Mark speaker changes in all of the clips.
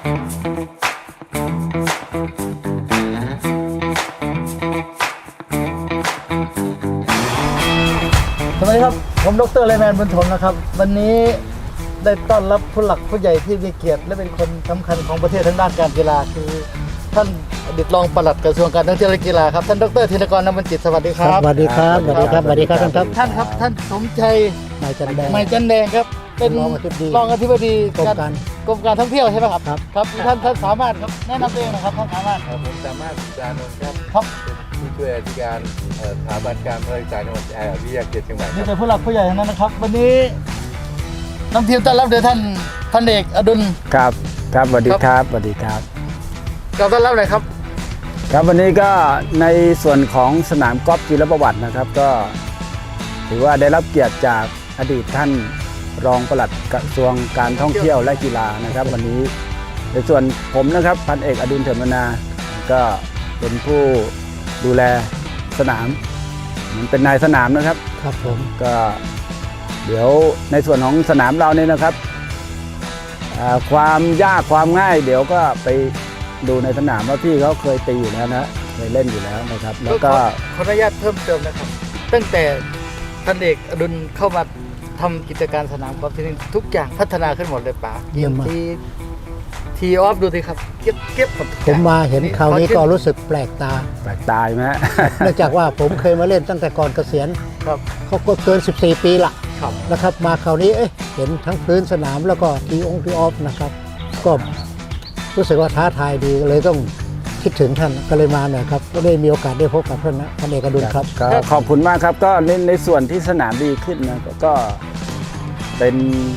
Speaker 1: สวัสดีครับผมดร.ไลแมนบุญถมนะครับวันนี้ได้ต้อนรับผู้หลักผู้ใหญ่ที่มีเกียรติและเป็นคนสำคัญของประเทศทางด้านการกีฬาคือท่านอดีตรองปลัดกระทรวงการท่องเที่ยวและกีฬาครับท่านดร.ธินกร นำบัญจิตสวัสดีครับ
Speaker 2: สวัสดีครับสวัสดีครับสวัสดีครับท่านครับ
Speaker 1: ท่านครับท่านสมชัย
Speaker 2: นายจันแดง
Speaker 1: ไมจันแดงครับเป็น
Speaker 2: รองอธิบดี
Speaker 1: รองอธิบดี
Speaker 2: กรมการ
Speaker 1: กรมการท่องเที่ยวใช่ไหมครับ
Speaker 2: ครับ
Speaker 1: ครับท่านสามารถครับแนะนำตัวเองนะครับท่านสามารถ
Speaker 3: ผมสามารถจานนท์ครับ
Speaker 1: ครับ
Speaker 3: เป็นผู้ช่วยอธิการสถาบันการบริการจังหวัดวิทยาเขตเชียงใหม่ค
Speaker 1: นี่
Speaker 3: รับ
Speaker 1: เป็นผู้หลักผู้ใหญ่ทั้งนั้นนะครับวันนี้นำทีมต้อนรับโดยท่านพันเอกอดุล
Speaker 4: ครับครับสวัสดีครับสวัสดีครับ
Speaker 1: กล่าวต้อนรับหน่อยครับ
Speaker 4: ครับวันนี้ก็ในส่วนของสนามกอล์ฟจิรประวัตินะครับ ก็ถือว่าได้รับเกียรติจากอดีตท่านรองปลัดกระทรวงการท่องเที่ยวและกีฬานะครับ วันนี้ในส่วนผมนะครับพันเอกอดุลเถิดมนา ก็เป็นผู้ดูแลสนามเหมือนเป็นนายสนามนะครับ
Speaker 2: ครับผม
Speaker 4: ก็เดี๋ยวในส่วนของสนามเราเนี่ยนะครับความยากความง่าย เดี๋ยวก็ไปดูในสนามว่าพี่เขาเคยตีอยู่แล้วนะเคยเล่นอยู่แล้วนะครับ แล้วก็
Speaker 1: ขออนุญาตเพิ่มเติมนะครับ ตั้งแต่พันเอกอดุลเข้ามาทำกิจการสนามกอล์ฟที่นี่ทุกอย่างพัฒนาขึ้นหมดเลยป๋า
Speaker 2: เยี่ยมมาก
Speaker 1: ทีออฟดูสิครับเก็บหมดทุกอ
Speaker 2: ผ
Speaker 1: ย่ง
Speaker 2: มมาเห็นคราวนี้ก็รู้สึกแปลกตา
Speaker 4: แปลกตายไหมฮะ
Speaker 2: เนื่องจากว่าผมเคยมาเล่นตั้งแต่ก่อนเกษียณ
Speaker 1: ครับ
Speaker 2: เขาก็เกิน 14 ปีละ
Speaker 1: ครับ
Speaker 2: นะครับ มาคราวนี้เห็นทั้งพื้นสนามแล้วก็ทีออฟนะครับ ก็รู้สึกว่าท้าทายดีเลยต้องคิดถึงท่านก็เลยมาหน่อยครับก็ได้มีโอกาสได้พบกับท่านนะพันเอกอดุลครับ
Speaker 4: ก็ขอบคุณมากครับก็ในส่วนที่สนามดีขึ้นนะก็เป็น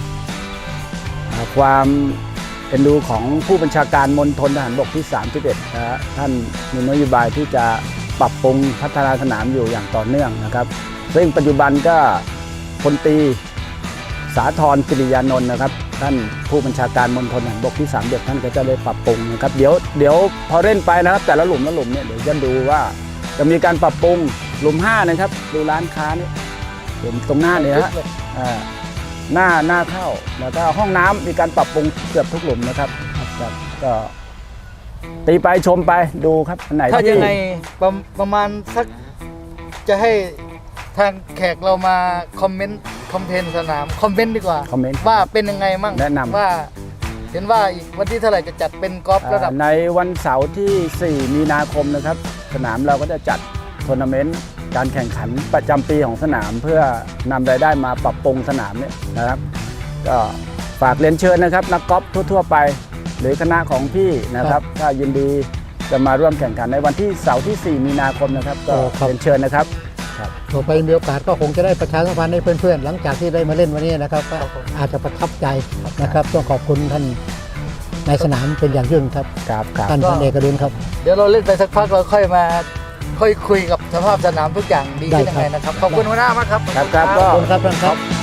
Speaker 4: ความเอ็นดูของผู้บัญชาการมณฑลทหารบกที่ 31นะฮะท่านมีนโยบายที่จะปรับปรุงพัฒนาสนามอยู่อย่างต่อเนื่องนะครับซึ่งปัจจุบันก็พลตรีสาธรกิริยานนท์นะครับท่านผู้บัญชาการมณฑลทหารบกที่31ท่านก็จะได้ปรับปรุงนะครับเดี๋ยวพอเล่นไปนะครับแต่ละหลุมเนี่ยเดี๋ยวจะดูว่าจะมีการปรับปรุงหลุม5นะครับดูร้านค้านี่หลุมตรงหน้าเนี่ยฮะหน้าเข้าแล้วก็ห้องน้ำมีการปรับปรุงเกือบทุกหลุมนะครับก็ตีไปชมไปดูครับอันไหน
Speaker 1: ถ้า
Speaker 4: ที่
Speaker 1: ยังไงประมาณสักจะให้ทางแขกเรามาคอมเมนต์คอมเพนสนามคอมเมนต์ดีกว่า
Speaker 4: คอมเมนต์
Speaker 1: ว่าเป็นยังไงมั่ง
Speaker 4: แนะนำ
Speaker 1: ว่าเห็นว่าอีกวันที่เท่าไหร่จะจัดเป็นกอล์ฟระดับ
Speaker 4: ในวันเสาร์ที่ 4 มีนาคมนะครับสนามเราก็จะจัดทัวร์นาเมนต์การแข่งขันประจำปีของสนามเพื่อนำรายได้มาปรับปรุงสนามเนี่ยนะครับก็ฝากเรียนเชิญนะครับนักกอล์ฟทั่วๆไปหรือคณะของพี่นะครับถ้ายินดีจะมาร่วมแข่งขันในวันที่เสาร์ที่ 4 มีนาคมนะครับก็เรียนเชิญนะครับ
Speaker 2: ต่อไปมีโอกาสก็คงจะได้ประชาสัมพันธ์ให้เพื่อนๆหลังจากที่ได้มาเล่นวันนี้นะครับก็อาจจะประทับใจนะครับต้องขอบคุณท่านในสนามเป็นอย่างยิ่งครับ
Speaker 4: ครับ
Speaker 2: ท่านพันเอกอดุลครับ
Speaker 1: เดี๋ยวเราเล่นไปสักพักเราค่อยมาค่อยคุยกับสภาพสนามทุกอย่างดีขึ้นยังไงนะครับ ขอบคุณหัวหน้ามากครับ
Speaker 4: ครับ
Speaker 2: ขอบคุณครับท่านครับ